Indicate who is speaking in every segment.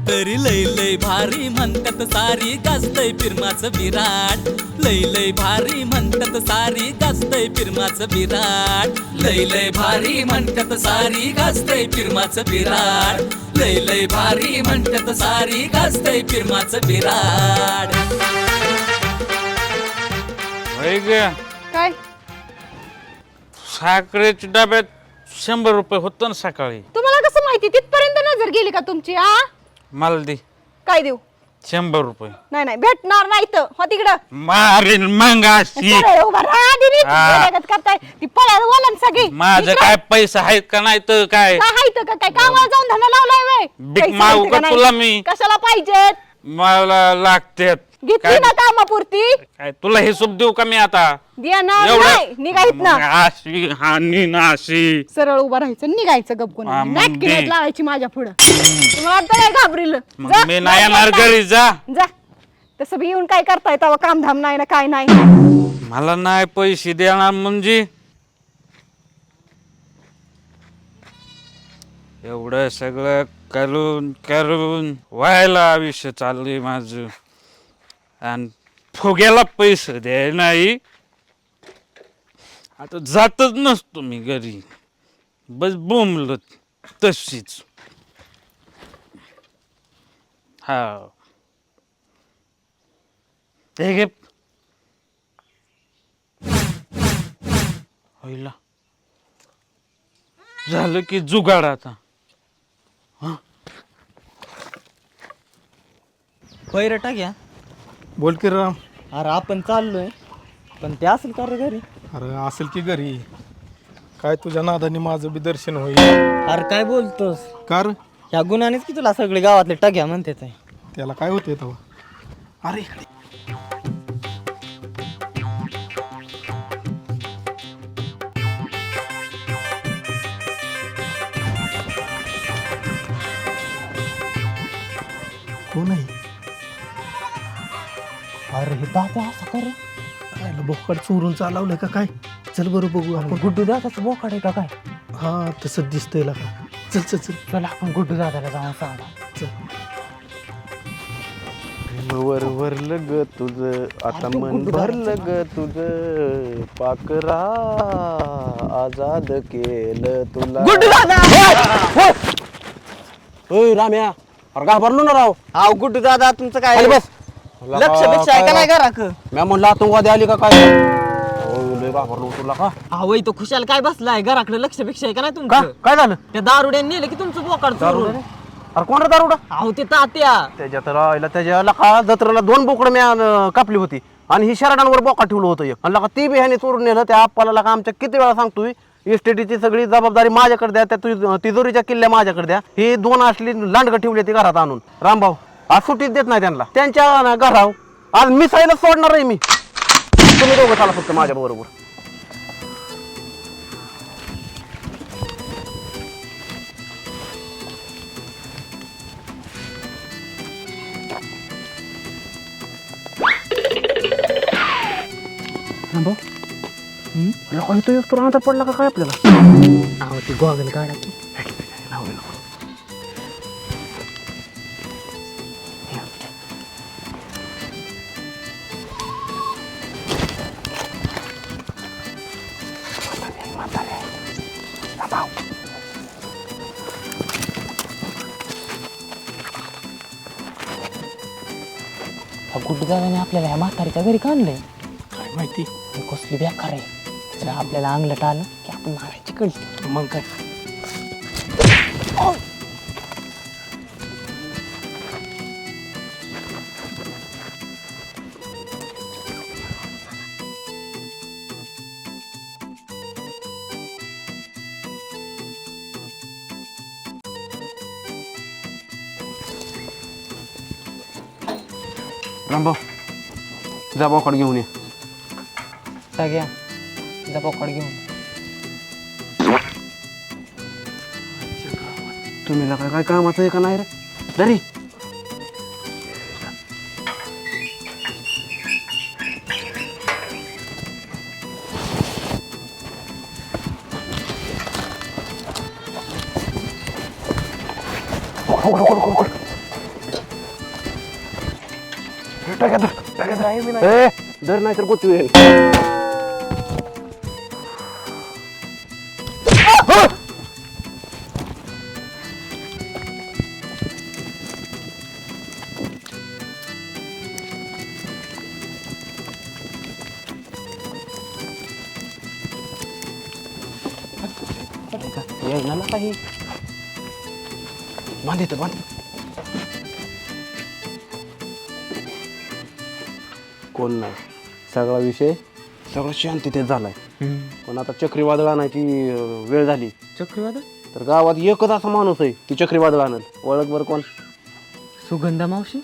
Speaker 1: तरी लय लय भारी म्हणतात सारी गाजतय फिरमाचं विराट लय लय भारी म्हणतात सारी गाजतय फिरमाचं विराट लय लय भारी म्हणतात सारी गाजतय फिरमाचं विराट लय लय भारी म्हणतात सारी गाजतय फिरमाचं विराट
Speaker 2: काय
Speaker 3: साखरेच्या डब्यात 100 रुपये होतं ना सकाळी.
Speaker 2: तुम्हाला कसं माहिती तिथपर्यंत नजर गेली का तुमची आ
Speaker 3: मला दे
Speaker 2: काय देऊ
Speaker 3: 100 रुपये.
Speaker 2: नाही नाही भेटणार नाही तर हो तिकडं
Speaker 3: मारीन मंगाशी.
Speaker 2: सरळ उभा राहा दिदी. वेड्यागत करताय ती पळायला बोला ना सगळी
Speaker 3: माझं काय पैसा आहेत का नाही तर काय
Speaker 2: काय हाय तर काय कामाला जाऊन धंदा लावलाय वय
Speaker 3: भीक मागू का तुला मी?
Speaker 2: कशाला पाहिजेत
Speaker 3: मला लागते
Speaker 2: घेतली ना कामापुरती
Speaker 3: काय तुला हिशोब देऊ का मी आता
Speaker 2: देणार नाही निघायत ना
Speaker 3: अशी हानी नाशी.
Speaker 2: सरळ उभा राहायचं निघायचं गपकून
Speaker 3: हा, मग
Speaker 2: नाटकी
Speaker 3: दे.
Speaker 2: नाहीत लावायची माझ्या पुढं तुम्हाला वाटतं काय घाबरील
Speaker 3: मग मी नाही येणार घरी जा.
Speaker 2: जा तसं बी येऊन काय करताय तेव्हा कामधाम नाही ना काय नाही
Speaker 3: मला नाही पैसे देणार म्हणजे एवढं सगळं करून करून व्हायला आयुष्य चाललंय माझं आणि फुग्याला पैसे द्याय नाही. आता जातच नसतो मी घरी बस बोंबलत तशीच. हा हे घे होईला झालं की जुगाड आता.
Speaker 4: पैरटा घ्या.
Speaker 5: बोल की राम.
Speaker 4: अरे आपण चाललोय पण ते असेल का रे घरी?
Speaker 5: अरे असेल की घरी. काय तुझ्या नादाने माझं बी दर्शन होईल.
Speaker 4: अरे काय बोलतोस?
Speaker 5: कार
Speaker 4: ह्या गुणानेच की तुला सगळे गावातले टग्या म्हणते ते.
Speaker 5: त्याला काय होते तेव्हा. अरे इकडे कोण आहे?
Speaker 4: अरे हे दादा असं कर.
Speaker 5: आयला बोकड चोरून चालवलंय का काय? चल बरं बघू आपण.
Speaker 4: गुड्डू दादाचं बोकाड आहे का काय?
Speaker 5: हा तसं दिसतंय का. चल चल चल
Speaker 4: चला आपण गुड्डू दादाला जाऊन सांगा.
Speaker 5: चल.
Speaker 6: वर वरलं ग तुझं आता मन भरलं ग तुझं पाकरा आजाद केलं तुला.
Speaker 4: गुड्डू दादा
Speaker 6: ओय राम्या अरे घाबरलो ना राव.
Speaker 4: अहो गुड्डू दादा तुमचं काय
Speaker 6: खाली बस.
Speaker 4: लक्ष पेक्षा आहे का नाही घराक?
Speaker 6: म्या म्हणलं आतंकवादी आली का काय. लय घाबरलो तुला का.
Speaker 4: अहो तो खुशाल काय बसलाय घराकडे लक्ष पेक्षा आहे का नाही
Speaker 6: का
Speaker 4: तुमचं?
Speaker 6: काय झालं.
Speaker 4: त्या दारुड्याने नेलं की तुमचं बोकाड चोरून.
Speaker 6: अरे कोण रे दारुडा.
Speaker 4: अहो ते तात्या
Speaker 6: त्याच्यात राहिला त्याच्या का जत्रेला 2 बोकडं म्या कापली होती आणि ही शरडांवर बोका ठेवलं होतं एक आणि लका ती बी ह्याने चोरून नेलं. त्या आप्पाला लका आमच्या किती वेळा सांगतोय इस्टेटीची सगळी जबाबदारी माझ्याकडे द्या. त्या तिजोरीच्या किल्ल्या माझ्याकडे द्या. ही 2 असली लांडगं ठेवली ती घरात आणून. रामभाऊ आज सुट्टीच देत नाही त्यांना. त्यांच्या घराव आज मिसायला सोडणार आहे मी. तुम्ही दोघं चाला फक्त माझ्या बरोबर. लोक इथं येतो राहता पडला का काय आपल्याला.
Speaker 4: अहो ती गॉगल काढा की. गुड्डू दादाने आपल्याला ह्या म्हातारीच्या घरी का आणलंय?
Speaker 5: काय माहिती.
Speaker 4: हे कसली बेकार आहे. जर आपल्याला अंगलट आलं की आपण मारायची कळते.
Speaker 5: मग काय.
Speaker 6: रामभाऊ जा बोकड घेऊन ये.
Speaker 4: सगळ्या जा बोकाड घेऊन.
Speaker 6: तुम्ही काय कामाचं आहे का नाही रे दरी. धर नाही तर गोचू येणार काही बांध येतं बांध कोण नाही सगळा विषय सगळं शांततेत झालाय पण आता चक्रीवादळ आणायची वेळ झाली.
Speaker 4: चक्रीवादळ
Speaker 6: तर गावात एकच असा माणूस आहे ती चक्रीवादळ आणल. ओळख बरं कोण?
Speaker 4: सुगंधा मावशी.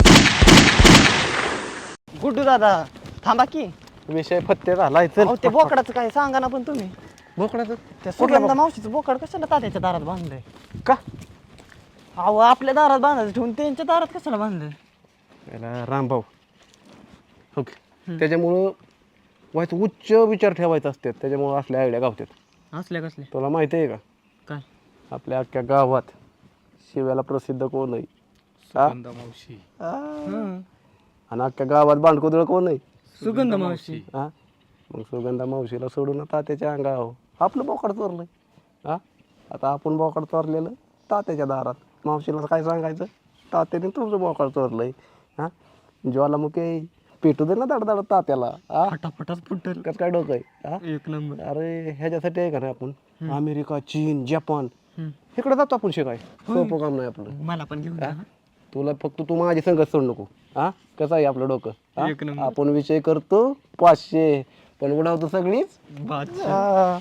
Speaker 4: गुड्डू दादा थांबा की.
Speaker 6: विषय फत्ते झालाय. चल
Speaker 4: अहो ते बोकडाचं काय सांगा ना पण तुम्ही.
Speaker 6: बोकडाचं
Speaker 4: त्या सुगंधा मावशीचं बोकड कशाला तात्याच्या दारात बांधलंय?
Speaker 6: का?
Speaker 4: अहो आपल्या दारात बांधायचं ठेवून त्यांच्या दारात कशाला बांधलंय?
Speaker 6: याला रामभाऊ ओके त्याच्यामुळं व्हायचं उच्च विचार ठेवायचे असतात. त्याच्यामुळं असल्या आयडिया गावतात.
Speaker 4: असल्या कसले?
Speaker 6: तुला माहिती आहे का
Speaker 4: काय?
Speaker 6: आपल्या अख्ख्या गावात शिव्याला प्रसिद्ध कोण आहे?
Speaker 5: सुगंधा मावशी.
Speaker 6: आणि अख्ख्या गावात बांडकुदळ कोण आहे?
Speaker 4: सुगंधा मावशी.
Speaker 6: हा मग सुगंधा मावशीला सोडून तात्याच्या अंगावर आपलं बोकड चोरलंय. हा आता आपण बोकड चोरलेलं तात्याच्या दारात. मावशीला काय सांगायचं? तात्याने तुमचं बोकड चोरलंय. हा ज्वालामुखी पेटू दे ना दाड तात्याला. हा
Speaker 4: फटाफटाच फुटल.
Speaker 6: कसं काय डोकं आहे? हा
Speaker 4: एक नंबर.
Speaker 6: अरे ह्याच्यासाठी आहे का नाही आपण अमेरिका चीन जपान इकडे जातो आपण शिकाय. सोपं काम नाही आपलं.
Speaker 4: मला पण घेऊन जा.
Speaker 6: तुला फक्त तू माझी संगत सोड नको. हा कसं आहे आपलं डोकं? हा?
Speaker 4: एक नंबर.
Speaker 6: आपण विषय करतो 500 पण उडवतो सगळीच.
Speaker 4: बादशाह.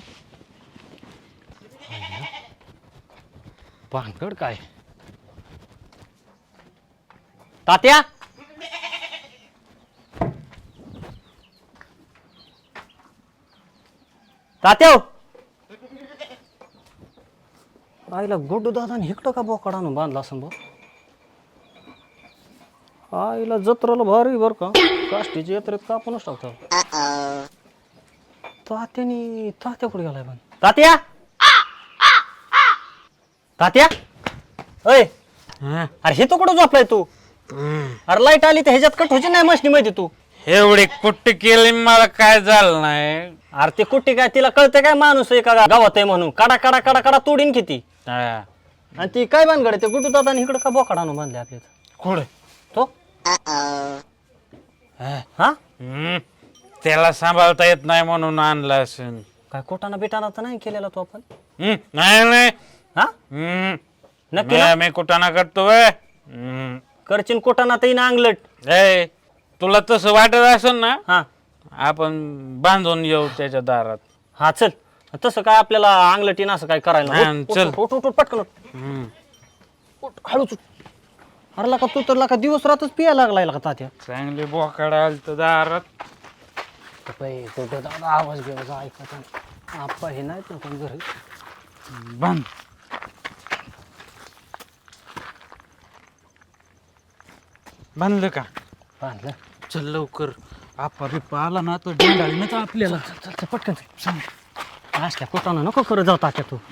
Speaker 7: भानगड काय तात्या? तात्या आईला गुड्डू दादाने इकडं का बोकड आणून बांधला असं बघ. आईला जत्राला भारी बर का काष्टीची यात्रेत कापूनच टाकतो. तात्या कुठे गेलाय पण? तात्या तात्या अय अरे हे तो कुठं झोपलाय तू? अरे लाईट आली तर ह्याच्यात कट व्हायची नाही मशनी मध्ये तू.
Speaker 3: एवढी कुट्टी केली मला काय झालं नाही.
Speaker 7: अरे ते कुठे काय तिला कळतं काय माणूस आहे का गावात आहे म्हणून काडा काडा काडा काडा तोडीन किती.
Speaker 3: हा.
Speaker 7: आणि ती काय भानगड ते गुड्डू दादा इकडे का बोकाड आणून बांधले आपल्या
Speaker 3: कुठे?
Speaker 7: तो हा
Speaker 3: त्याला सांभाळता येत नाही म्हणून आणला असेल.
Speaker 7: काय कोटाना बिटाना तर नाही केलेला तो आपण?
Speaker 3: नाही नाही.
Speaker 7: हा नक्की ना?
Speaker 3: मी कुठाना करतो व्हय.
Speaker 7: करचीन कोटाना तर अंगलट.
Speaker 3: ए, तुला तसं वाटत असेल ना
Speaker 7: हा
Speaker 3: आपण बांधून येऊ त्याच्या दारात.
Speaker 7: हा चल तसं काय आपल्याला अंगलटीन असं काय करायला
Speaker 3: हा,
Speaker 7: उठ,
Speaker 3: चल.
Speaker 7: उठ, उठ, उठ, उठ, पटकन उठ. उठ, हळूच उठ. अरे लका तू तर लका दिवस रातच पियायला लागलाय का तात्या?
Speaker 3: चांगली बोकाड आलत दारात.
Speaker 7: कुठं दादा आवाज घ्यायचा ऐकायचा आप्पा हे नाहीत ना कोण घरी.
Speaker 3: बांध. बांधलं का?
Speaker 7: बांधलं.
Speaker 3: चल लवकर. आपा बिप्पा आला ना तर डेंडाळीनच आपल्याला.
Speaker 7: चल चल पटकन चल. असल्या कोटाना नको करत जाऊ तात्या तू.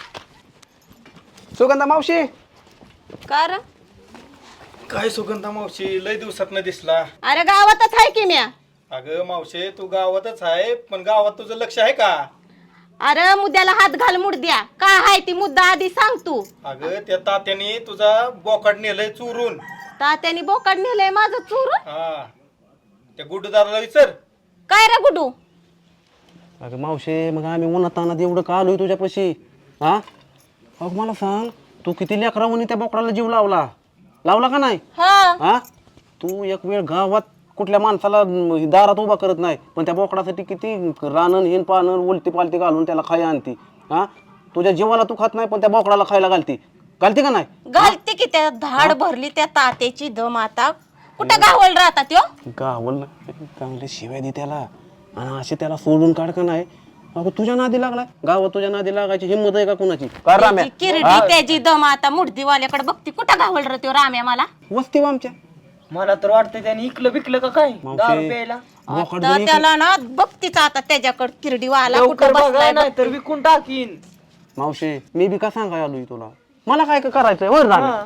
Speaker 6: सुगंधा मावशी
Speaker 2: का रे?
Speaker 5: काय सुगंधा मावशी लय दिवसात न दिसला.
Speaker 2: अरे गावातच आहे की म्या.
Speaker 5: अगं मावशी तू गावातच आहे पण गावात तुझं लक्ष आहे का?
Speaker 2: अरे मुद्द्याला हात घाल मुडद्या. काय आहे ती मुद्दा आधी सांग तू.
Speaker 5: अगं त्या तात्याने तुझा बोकाड नेलंय चोरून.
Speaker 2: तात्याने बोकाड नेलंय माझं चोरून?
Speaker 5: हा त्या गुड्डू दादाला विचार.
Speaker 2: काय रे गुडू?
Speaker 6: अगं मावशे मग आम्ही उन्हात तानात एवढं का आलोय तुझ्यापाशी? हा अगं मला सांग तू किती लेकरावणी त्या बोकडाला जीव लावला का नाही? हा तू एक वेळ गावात कुठल्या माणसाला दारात उभा करत नाही पण त्या बोकडासाठी किती रानन हिन पानन उलटी पालटी घालून त्याला खायला आणती. हा तुझ्या जीवाला तू खात नाही पण त्या बोकडाला खायला घालती का नाही?
Speaker 2: घालते की त्या धाड भरली त्या तात्याची दम आता. कुठं गावल राहतात त्यो?
Speaker 6: गावल चांगले शिवाय दे त्याला आणि असे त्याला सोडून काढ का नाही. अगं तुझ्या नादी लागलाय गावात तुझ्या नादी लागायची हिंमत आहे का कुणाची?
Speaker 2: त्याची किरडी त्याची दम आता मुडदीवाल्याकडे बघती. कुठं गावल रे त्यो राम्या मला?
Speaker 6: वस्ती आमच्या
Speaker 4: मला तर वाटतंय त्याने इकलं बिकलं का काय दारू प्यायला.
Speaker 6: बोकड
Speaker 2: आता त्याला ना बघतीच आता त्याच्याकडे किरडीवाला कुठं
Speaker 4: लवकर बघाय
Speaker 2: बसलाय
Speaker 4: नाही तर विकून टाकीन.
Speaker 6: मावशे मी बी का सांगाय आलोय तुला मला काय करायचंय वर राहणार.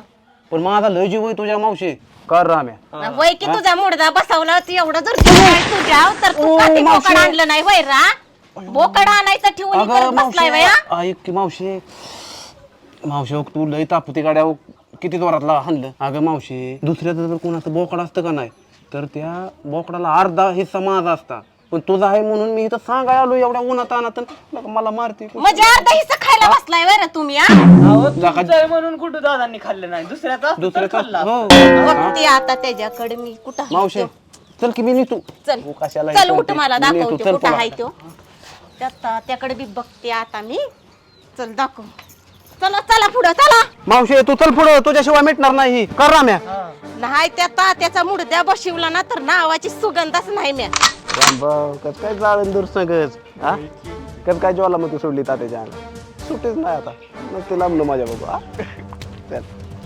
Speaker 6: पण माझा लय जीव आहे तुझ्या मावशी कर राम्या.
Speaker 2: वय की तुझा मुडदा बसवला तू एवढं जर जीव आहे तुझ्या तर तू
Speaker 6: ओ,
Speaker 2: कधी
Speaker 6: मावशी.
Speaker 2: बोकड आणलं नाही वय रा बोकड आणायचं ठेवून
Speaker 6: अगं
Speaker 2: करत बसलाय वया
Speaker 6: मावशी ऐक की मावशी मावशी हो, तू लय तापती गाड्या हो, किती जोरातला हाणलं. अगं मावशी दुसऱ्याचं जर कोणाचं बोकड असतं का नाही तर त्या बोकडाला अर्धा हिस्सा माझा असता. पण तुझा आहे म्हणून मी इथं सांगाय आलो एवढ्या उन्हात अनात मला मारते.
Speaker 2: म्हणजे अर्धा हिस्सा खायला बसलाय वय रा तुम्ही हा
Speaker 7: म्हणून कुठं दादांनी खाल्लं नाही दुसऱ्याचा
Speaker 6: दुसऱ्याचा हो
Speaker 2: बघते आता त्याच्याकडे मी कुठं आहे
Speaker 6: मावशी
Speaker 2: तो.
Speaker 6: चल की मी निघतो.
Speaker 2: चल
Speaker 6: तू कशाला
Speaker 2: चल
Speaker 6: हे
Speaker 2: उठ
Speaker 6: करते?
Speaker 2: मला
Speaker 6: मी येतो,
Speaker 2: दाखवते
Speaker 6: चल
Speaker 2: कुठं
Speaker 6: पळा.
Speaker 2: आहे तो त्याकडे बी बघते आता मी चल दाखव चला चला पुढं चला
Speaker 6: मावशी तू चल पुढं तुझ्याशिवाय मिटणार नाही कर राम्या.
Speaker 2: नाही त्या तात्याचा मुडद्या बशिवला ना तर नावाची सुगंधच नाही म्या
Speaker 6: कस काय जाळून दूर सगळंच हा कस काय ज्वालामुखी सोडली तात्याच्या अंगात सुटीच नाही आता मग ते लांबलं माझ्या बाबा. चल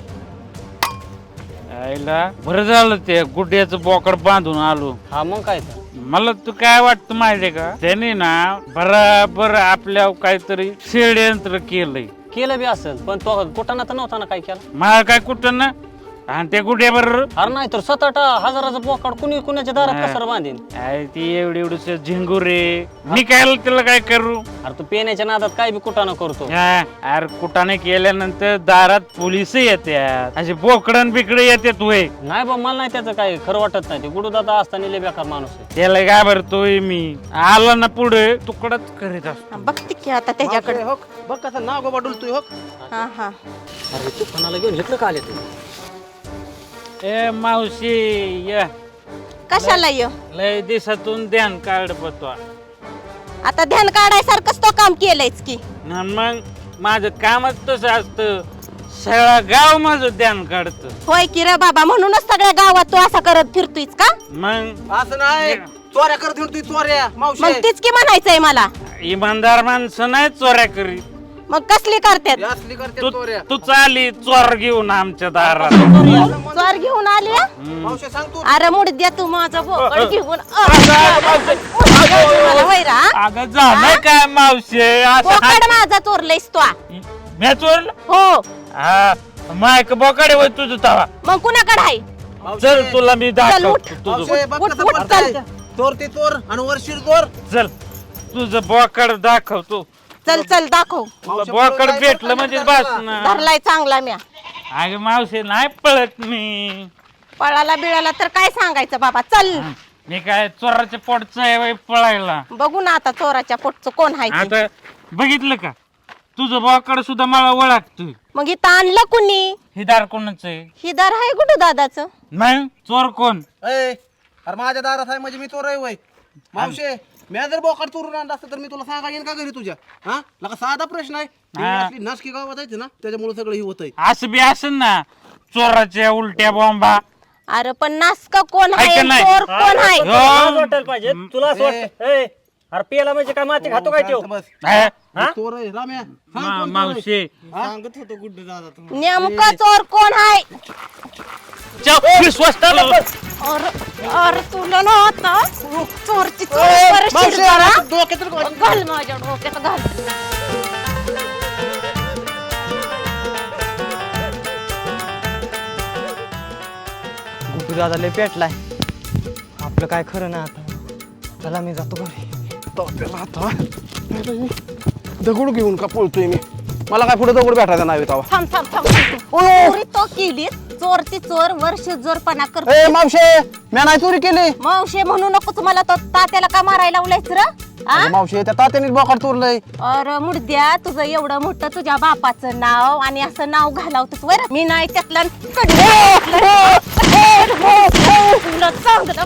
Speaker 3: आईला बरं झालं ते गुड्याचं बोकड बांधून आलो.
Speaker 7: हा मग काय तर
Speaker 3: मला तू काय वाटतं माहितीये का त्याने ना बराबर आपल्या काहीतरी षडयंत्र केलंय.
Speaker 7: केलं बी असेल पण तो कुठाना तर नव्हता ना काय केलं.
Speaker 3: मला काय कुठं ना आणि त्या गुड्यावर
Speaker 7: अरे नाही तर 7-8 हजाराचं बोकाड कुणी कुणाच्या दारात कसं बांधीन.
Speaker 3: ती एवढी झिंगुरे मी काय त्याला काय करू.
Speaker 7: अरे तू पेण्याच्या नादात काय बी कुठाना करतो.
Speaker 3: अरे कुठाने केल्यानंतर दारात पोलिस येतात असे बोकडन बिकडे येतात वय.
Speaker 7: नाही बा मला नाही त्याचं काय खरं वाटत नाही. ते गुडू दादा असताना लय बेकार माणूस आहे.
Speaker 3: त्याला घाबरतोय मी आला ना पुढे तुकडच करीत असतो.
Speaker 2: बघते की आता त्याच्याकडे
Speaker 6: हो बघ कसं नाव गोबा डुलतोय हो.
Speaker 2: हा हा
Speaker 7: अरे तू कोणाला घेऊन इकडं का आले तू.
Speaker 3: ए मावशी या
Speaker 2: कशाला ये
Speaker 3: लय दिवसातून ध्यान काढ पतो.
Speaker 2: आता ध्यान काढायसारखंच तो काम केलंयच की
Speaker 3: मग माझं कामच तसं असतं सगळं गाव माझं ध्यान काढत.
Speaker 2: होय की रे बाबा म्हणूनच सगळ्या गावात तू असा करत फिरतोयस का
Speaker 3: मग
Speaker 6: असं नाही चोऱ्या करत हिंडतोय चोऱ्या मावशी.
Speaker 2: मग तीच की म्हणायचंय मला
Speaker 3: इमानदार माणसं नाही चोऱ्या करीत.
Speaker 2: मग कसली करतात
Speaker 6: हे असली करते
Speaker 3: तू
Speaker 6: चोऱ्या.
Speaker 3: तू चाली चोर घेऊन आमच्या दारात.
Speaker 2: चोर घेऊन आली हा?
Speaker 6: मावशी सांग तू
Speaker 2: अरे मुडद्या तू माझं बोकड घेऊन मला वैरा
Speaker 3: अगं झालं काय मावशी असं
Speaker 2: बोकड माझा चोरलंयस तू
Speaker 3: मी चोरलं.
Speaker 2: हो
Speaker 3: हा मायक बोकडे होय तुझं तवा.
Speaker 2: मग कुणाकडे आहे
Speaker 3: चल तुला मी
Speaker 2: चल,
Speaker 3: दाखव
Speaker 2: उठ.
Speaker 3: तुझं
Speaker 6: मावशी बघ
Speaker 2: उठ,
Speaker 6: कसं
Speaker 2: उठ,
Speaker 6: पडतंय.
Speaker 2: चल.
Speaker 6: चोर ते चोर आणि वरशीर चोर.
Speaker 3: चल तुझं बोकड दाखवतो.
Speaker 2: चल चल दाखव
Speaker 3: बोकड भेटलं म्हणजे बस ना.
Speaker 2: धरलाय चांगला म्या
Speaker 3: अगं मावशी नाही पळत मी.
Speaker 2: पळाला बिळाला तर काय सांगायचं बाबा चल
Speaker 3: मी काय चोराच्या पोटचं आहे वय पळायला.
Speaker 2: बघू ना आता चोराच्या पोटचं कोण आहे ते.
Speaker 3: आता बघितलं का तुझं बोकड सुद्धा मला ओळखतोय.
Speaker 2: मग इथं आणलं कुणी
Speaker 3: हे दार कोणाचं आहे.
Speaker 2: ही दार आहे कुठं दादाचं
Speaker 3: नाही चोर कोण.
Speaker 6: अरे माझ्या दारात आहे म्हणजे मी चोर आहे वय. मावशी मी जर बोकड चोरून आणला असतं तर मी तुला सांगा येईन का घरी तुझ्या. हा लका साधा प्रश्न आहे. ही
Speaker 3: हा.
Speaker 6: असली नाशकी गावात आहे ना त्याच्यामुळे सगळं ही होतंय.
Speaker 3: असं बी असेल ना चोराच्या उलट्या बॉम्बा.
Speaker 2: अरे पण नासका कोण
Speaker 3: आहे
Speaker 2: आहे
Speaker 3: का नाही?
Speaker 2: चोर कोण आहे
Speaker 3: हो.
Speaker 7: तुला वाटायला पाहिजे तुला असं वाटतं. ए, अरे पियाला म्हणजे काय माती खातो काय तो.
Speaker 6: बस
Speaker 3: हा?
Speaker 6: चोर आहे राम्या. सांग कोण चोर आहे?
Speaker 3: मावशी
Speaker 6: सांगत होतो गुड्डे दादा तुम्ही.
Speaker 2: नेमका चोर कोण आहे
Speaker 3: विश्वास
Speaker 2: अरे तुला ना आता चोरची चोर परत
Speaker 6: मावशी,
Speaker 2: शिरताना
Speaker 6: अरे डोक्यात तर घाल.
Speaker 2: घाल माझ्या डोक्यात घाल
Speaker 4: गुड्डू दादा लय पेटलाय आपलं काय खरं ना आता. चला मी जातो घरी.
Speaker 6: डोक्याला हात हा. दगड घेऊन का पळतोय मी. मला काय पुढे दगड भेटायचा नाही तेव्हा.
Speaker 2: थांब थांब थांब चोरी तो केली चोरची चोर वर्ष जोरपणा करतो
Speaker 6: ए मावशे मी नाही चोरी केली.
Speaker 2: मावशे म्हणू नको तुम्हाला तो तात्याला का मारायला लावलायच र
Speaker 6: अरे मावशे त्या तात्याने बोकड चोरलंय.
Speaker 2: अरे मुडद्या तुझं एवढं मोठं तुझ्या बापाचं नाव आणि असं नाव घालावतोस वर मी नाही त्यातला तुला सांगत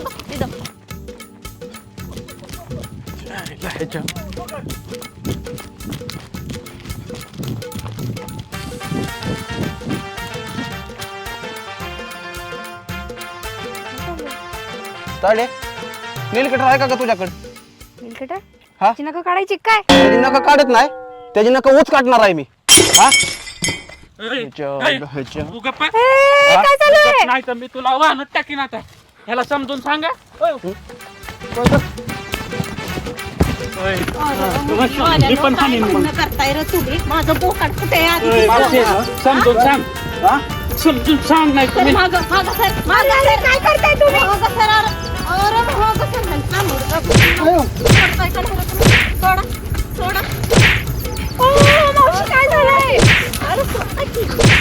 Speaker 6: चालेल नीलकटर आहे का तुझ्याकडे.
Speaker 8: नीलकटर
Speaker 6: हा?
Speaker 8: ची नका काढायची काय
Speaker 6: त्याची नका काढत नाही त्याची नका ऊच काढणार आहे मी. हा
Speaker 3: तू गप्प आहे?
Speaker 8: काय चालू आहे
Speaker 3: नाही तर मी तुला वाहनच टाकीन आता. ह्याला समजून सांगा.
Speaker 2: करताय रे तुम्ही माझं बोकाड कुठे आहे आधी?
Speaker 3: समजून सांग. समजून सांग नाही
Speaker 2: सर मागं सर काय करताय तुम्ही मागं सर अरे मागं सर ह्यांचा मुलगा करताय का नाही तुम्ही? सोडा
Speaker 8: ओ मावशी काय झालंय
Speaker 2: अरे सोडा की.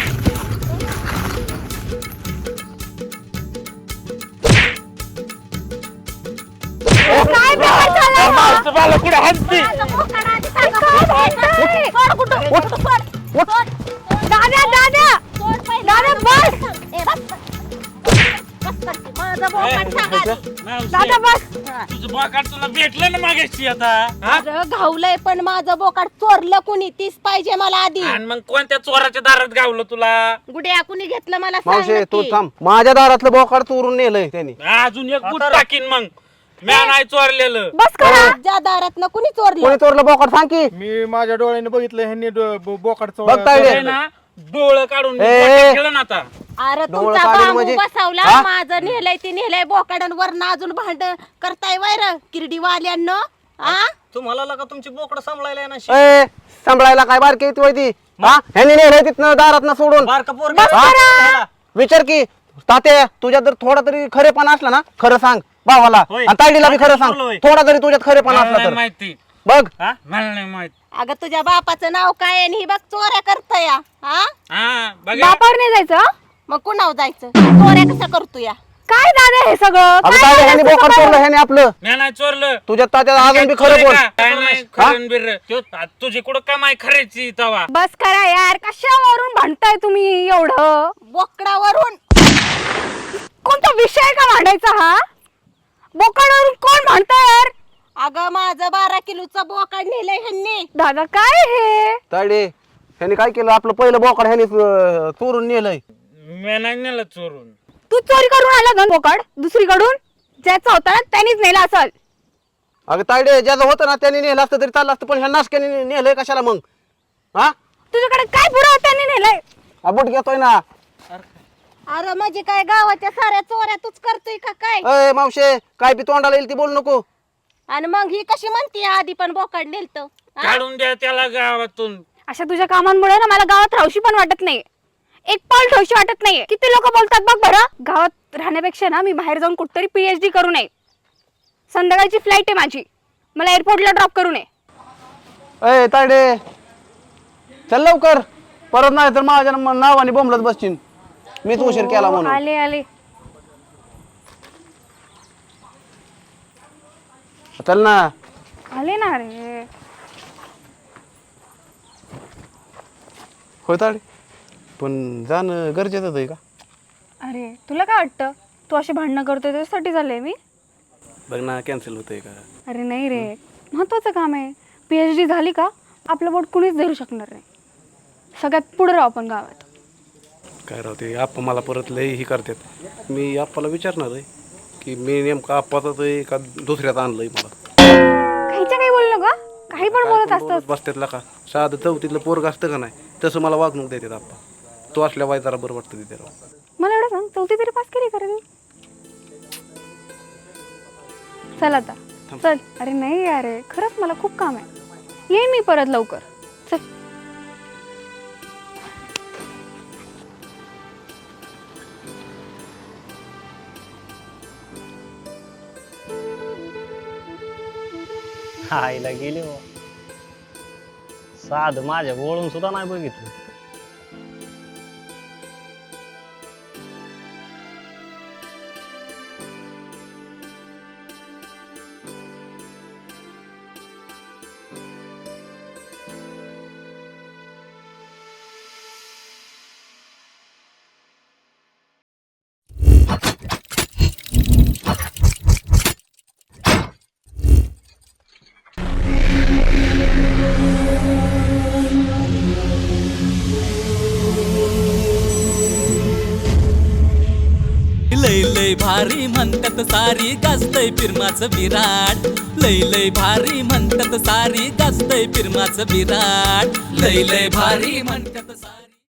Speaker 8: काय बेकार झालंय हा?
Speaker 3: मला कुठे हसते
Speaker 2: माझं बोकाड आधी सांगा.
Speaker 8: काय
Speaker 2: सोड कुठं सोड.
Speaker 8: दादा दादा
Speaker 2: सोड पहिले.
Speaker 8: दादा बस
Speaker 2: ए, बस. बस करते. माझं बोकाड सांगा आधी.
Speaker 8: दादा बस
Speaker 3: तुझं बोकाड तुला भेटलं ना मागायची आता हा?
Speaker 2: अरे घावलंय पण माझं बोकाड चोरलं कुणी तीच पाहिजे मला आधी
Speaker 3: आणि मग कोणत्या चोराच्या दारात गावलं तुला
Speaker 2: गुड्या कुणी घेतलं मला सांग
Speaker 6: मावशे तू
Speaker 2: नक्की.
Speaker 6: थांब माझ्या दारातलं बोकाड चोरून नेलंय त्यांनी
Speaker 3: अजून एक गुट टाकीन मग म्या नाही चोरलेलं
Speaker 8: बस करा
Speaker 2: ज्या दारात ना कुणी चोरलं
Speaker 6: कोणी चोरलं बोकाड सांग की
Speaker 5: मी माझ्या डोळ्याने बघितलं ह्यांनी बोकाड
Speaker 6: बघ तायडे.
Speaker 3: आहे ना डोळं काढून
Speaker 6: ए.
Speaker 3: खेळ ना आता
Speaker 2: अरे
Speaker 6: डोळं
Speaker 2: तुमचा
Speaker 6: काढेल
Speaker 2: बांबू
Speaker 6: म्हणजे?
Speaker 2: बसवला
Speaker 6: हा?
Speaker 2: माझं नेलंय ते नेलंय बोकाडांवर अजून भांड करताय वैर किरडीवाल्यांनो हा
Speaker 7: तुम्हाला लगा तुमची बोकड सांभाळायला ना
Speaker 6: ए सांभाळायला काय बारकी ती होती हा ह्यांनी नेलंय तिथनं दारात सोडून
Speaker 7: बारका पोर
Speaker 6: विचार की तात्या तुझ्यात जर थोडा तरी खरेपणा असला ना खरं सांग भावाला
Speaker 7: होय.
Speaker 6: आणि तायडीला बी खरं
Speaker 7: काय
Speaker 6: सांग
Speaker 7: बोललो होय?
Speaker 6: थोडा जरी तुझ्यात खरेपणा
Speaker 3: मला
Speaker 6: असला
Speaker 3: नाही
Speaker 6: तर
Speaker 3: माहिती
Speaker 6: बघ
Speaker 3: हा मला नाही माहित
Speaker 2: अगं तुझ्या बापाचं नाव काय आहे आणि ही बघ चोऱ्या करतोय हा
Speaker 3: हा बघा
Speaker 8: बापावर नाही जायचं हं?
Speaker 2: मग कुणाव जायचं चोऱ्या कसं करतो या
Speaker 8: काय दादा हे सगळं
Speaker 6: अगं
Speaker 8: काय
Speaker 6: तायडे
Speaker 8: झालं
Speaker 6: ह्यांनी
Speaker 8: तुझं
Speaker 6: बोकाड
Speaker 8: काय?
Speaker 6: चोरलं ह्याने आपलं
Speaker 3: म्या नाही चोरलं
Speaker 6: तुझ्यात तात्या अजून बी खरं
Speaker 3: चोरी
Speaker 6: बोल
Speaker 3: का? काय नाही खरं बिर्र. त्यो तुझी कुठं कमाई खरेची तवा
Speaker 8: बस करा यार कशावरून भांडताय तुम्ही एवढं
Speaker 2: बोकडावरून
Speaker 8: कोणता विषय का भांडायचा हा बोकाडावरून कोण भांडताय यार
Speaker 2: अगं माझं 12 किलोचं बोकाड नेलंय ह्यांनी
Speaker 8: दादा काय हे
Speaker 6: तायडे ह्याने काय केलं आपलं पहिलं बोकाड ह्याने चोरून नेलंय
Speaker 3: म्या नाही नेलं चोरून
Speaker 8: तू चोरी करून आला ना बोकाड दुसरीकडून ज्याचा होता ना त्यानेच नेला असल
Speaker 6: अगं तायडे ज्याचं होतं ना त्याने नेलं असतं तरी चाललं असतं पण ह्या नाशक्याने नेलंय कशाला मग हा
Speaker 8: तुझ्याकडे काय पुरावा त्याने नेलाय
Speaker 6: अबुट घेतोय ना
Speaker 2: अरे म्हणजे काय गावाच्या साऱ्या चोऱ्या तूच करतोय का काय
Speaker 6: अय मावशे काय बी तोंडाला येईल ती बोल नको
Speaker 2: आणि मग ही कशी म्हणते आधी पण बोकाड नेलत
Speaker 3: काढून द्या त्याला गावातून
Speaker 8: अशा तुझ्या कामांमुळे ना मला गावात राहूशी पण वाटत नाही एक पाऊल ठेवशी वाटत नाहीये किती लोक बोलतात बघ बरं गावात राहण्यापेक्षा ना मी बाहेर जाऊन कुठतरी PhD करू नये संध्याकाळची फ्लाईट आहे माझी मला एअरपोर्टला ड्रॉप करू नये
Speaker 6: अय तायडे चल लवकर परत नाही तर माझ्या नावाने बोंबलत बसशील मीच उशीर केला म्हणून
Speaker 8: आले आले
Speaker 6: चल ना
Speaker 8: आले ना रे
Speaker 6: होय तायडे पण जाणं गरजेचंच आहे का
Speaker 8: अरे तुला काय वाटतं तू अशी भांडणं करतोय त्याच्यासाठी झालंय मी
Speaker 6: बघ ना कॅन्सल होतंय का
Speaker 8: अरे नाही रे महत्वाचं काम आहे PhD झाली का आपलं बोट कुणीच धरू शकणार नाही सगळ्यात पुढे राहू आपण गावात
Speaker 6: काय राहते आप्पा मला परत लय ही करतात मी आप्पाला विचारणार आहे की मी नेमकं आप्पाच आहे का दुसऱ्यात आणलंय मला
Speaker 8: काहीच्या काही बोलू नका काही पण बोलत असतं
Speaker 6: बसत्यातला का साधं चौथीतलं पोरग असतं का नाही तसं मला वागणूक देतात आप्पा तो असल्या वाय जरा बरं वाटतं तिथे
Speaker 8: मला एवढं सांग चौथी तरी पास केली खरं चल आता चल अरे नाही अरे खरंच मला खूप काम आहे येईन मी परत लवकर चल
Speaker 7: आईला गेली हो साध माझ्या वळून सुद्धा नाही बघितलं
Speaker 1: लय लय भारी म्हणतात सारी गाजतय फिरमाचं विराट लय लय भारी म्हणतात सारी गाजतय फिरमाचं विराट लय लय भारी म्हणतात सारी